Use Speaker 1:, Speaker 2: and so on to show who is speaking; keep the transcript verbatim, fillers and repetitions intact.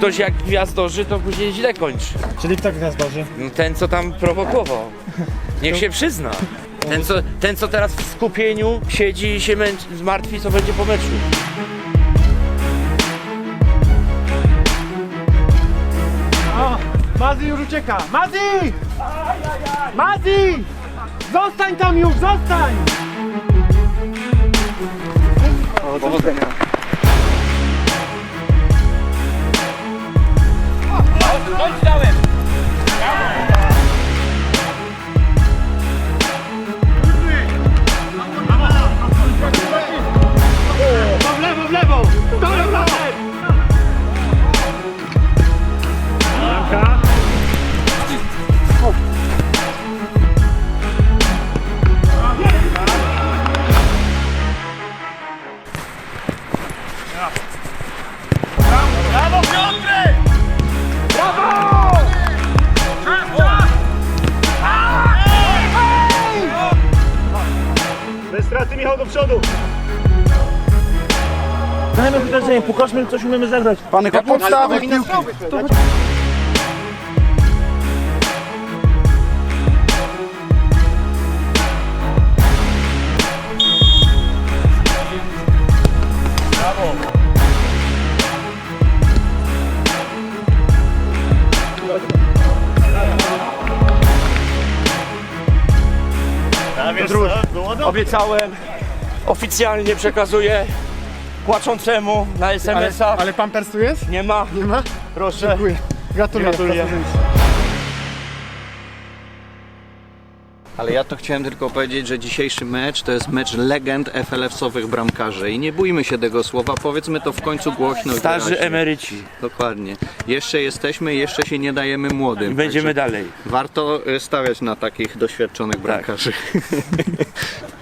Speaker 1: ktoś jak gwiazdorzy, to później źle kończy.
Speaker 2: Czyli kto gwiazdorzy?
Speaker 1: No ten, co tam prowokował. Niech się przyzna. Ten co, ten, co teraz w skupieniu siedzi i się męczy, zmartwi, co będzie po meczu.
Speaker 2: O! Mazi już ucieka! Mazi! Mazi! Zostań tam już, zostań!
Speaker 1: Powodzenia. Chodź dałem!
Speaker 2: W lewo, w lewo! Dobra, brawo! Bramka.
Speaker 3: Brawo Piotrek!
Speaker 2: Brawo! Bez straty, Michał, do przodu! Dajmy wydarzenie, pokażmy, coś umiemy zagrać.
Speaker 4: Pany podstawy piłki.
Speaker 1: Obiecałem, oficjalnie przekazuję płaczącemu na es em es a.
Speaker 4: Ale pampers tu jest?
Speaker 1: Nie ma.
Speaker 4: Nie ma?
Speaker 1: Proszę.
Speaker 4: Dziękuję. Gratuluję.
Speaker 1: Gratuluję.
Speaker 5: Ale ja to chciałem tylko powiedzieć, że dzisiejszy mecz to jest mecz legend ef el esowych bramkarzy i nie bójmy się tego słowa, powiedzmy to w końcu głośno i
Speaker 1: Starzy
Speaker 5: wyraźnie.
Speaker 1: emeryci.
Speaker 5: Dokładnie. Jeszcze jesteśmy, jeszcze się nie dajemy młodym.
Speaker 1: I będziemy
Speaker 5: Także
Speaker 1: dalej.
Speaker 5: warto y, stawiać na takich doświadczonych bramkarzy.